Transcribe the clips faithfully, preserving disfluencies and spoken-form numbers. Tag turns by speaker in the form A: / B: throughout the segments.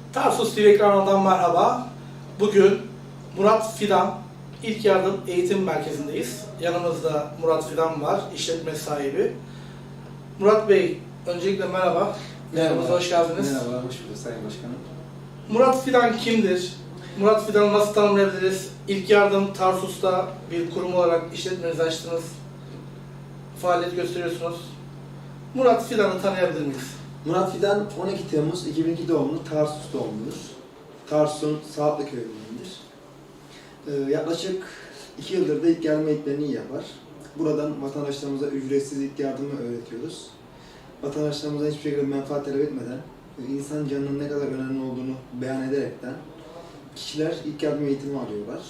A: Tarsus T V ekranından merhaba. Bugün Murat Fidan İlk Yardım Eğitim Merkezi'ndeyiz. Yanımızda Murat Fidan var, işletme sahibi. Murat Bey, öncelikle merhaba. Merhaba. Hoş geldiniz.
B: Merhaba, hoş bulduk Sayın Başkanım.
A: Murat Fidan kimdir? Murat Fidan'ı nasıl tanımlayabiliriz? İlk Yardım Tarsus'ta bir kurum olarak işletmenizi açtınız. Faaliyet gösteriyorsunuz. Murat Fidan'ı tanıyabilir miyiz?
B: Murat Fidan on iki Temmuz iki bin iki doğumlu, Tarsus doğumludur. Tarsus'un Saatlı köyündendir. Ee, yaklaşık iki yıldır da ilk yardım eğitimlerini yapar. Buradan vatandaşlarımıza ücretsiz ilk yardımı öğretiyoruz. Vatandaşlarımıza hiçbir şekilde menfaat talep etmeden, insan canının ne kadar önemli olduğunu beyan ederekten kişiler ilk yardım eğitimi alıyorlar.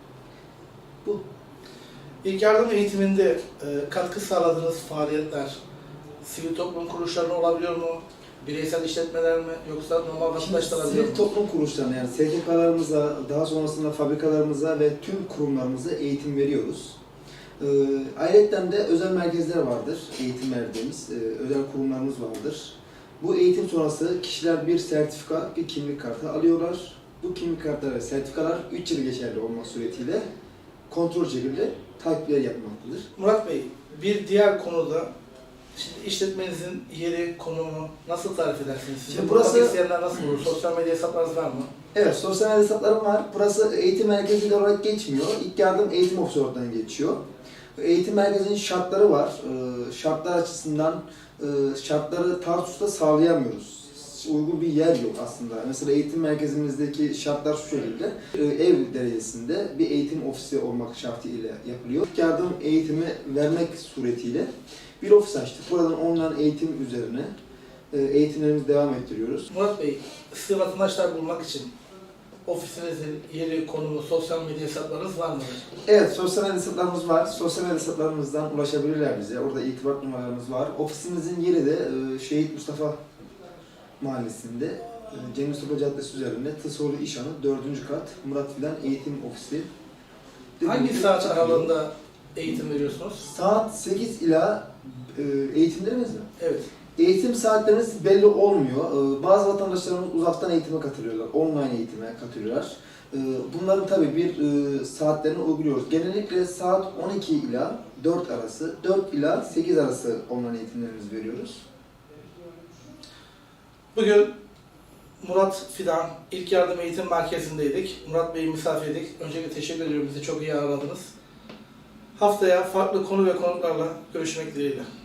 B: Bu.
A: İlk yardım eğitiminde e, katkı sağladığınız faaliyetler sivil toplum kuruluşlarına olabiliyor mu? Bireysel işletmeler mi? Yoksa normal vatandaşlar alabiliyor mu?
B: Sivil toplum kuruluşlarına, yani S T K'larımıza, daha sonrasında fabrikalarımıza ve tüm kurumlarımıza eğitim veriyoruz. Ee, ayrıca de özel merkezler vardır, eğitim verdiğimiz, e, özel kurumlarımız vardır. Bu eğitim sonrası kişiler bir sertifika, bir kimlik kartı alıyorlar. Bu kimlik kartları ve sertifikalar üç yıl geçerli olmak suretiyle kontrol şekilde takipler yapmaktadır.
A: Murat Bey, bir diğer konuda şimdi işletmenizin yeri, konumu nasıl tarif edersiniz? Sizin
B: Şimdi
A: burası
B: burası-
A: isteyenler nasıl bulur? Sosyal medya hesaplarınız var mı?
B: Evet, sosyal medya hesaplarım var. Burası eğitim merkezi olarak geçmiyor. İlk yardım eğitim ofisi oradan geçiyor. Eğitim merkezinin şartları var. Ee, Şartlar açısından e, şartları Tarsus'ta sağlayamıyoruz. Uygun bir yer yok aslında. Mesela eğitim merkezimizdeki şartlar şu şekilde. Ee, Ev derecesinde bir eğitim ofisi olmak şartıyla yapılıyor. İlk yardım eğitimi vermek suretiyle bir ofis açtık. Buradan online eğitim üzerine e, eğitimlerimizi devam ettiriyoruz.
A: Murat Bey, size vatandaşlar bulmak için ofisinizin yeri, konumu, sosyal medya hesaplarınız var mıdır?
B: Evet, sosyal medya hesaplarımız var. Sosyal medya hesaplarımızdan ulaşabilirler bize. Orada irtibat numaralarımız var. Ofisimizin yeri de e, Şehit Mustafa Mahallesi'nde, e, Cem Mustafa Caddesi üzerinde Tısoğlu İşhanı dördüncü kat Murat Fidan Eğitim Ofisi.
A: Hangi
B: Dediğim
A: saat
B: gibi
A: aralığında eğitim veriyorsunuz?
B: Saat sekiz ila e, eğitimlerimiz mi?
A: Evet.
B: Eğitim saatlerimiz belli olmuyor. Ee, Bazı vatandaşlarımız uzaktan eğitime katılıyorlar, online eğitime katılıyorlar. Ee, Bunların tabii bir e, saatlerini uyguluyoruz. Genellikle saat on iki ila dört arası, dört ila sekiz arası online eğitimlerimizi veriyoruz.
A: Bugün Murat Fidan İlk Yardım Eğitim Merkezi'ndeydik. Murat Bey'i misafirdik. Öncelikle teşekkür ediyorum. Bizi çok iyi ağırladınız. Haftaya farklı konu ve konuklarla görüşmek dileğiyle.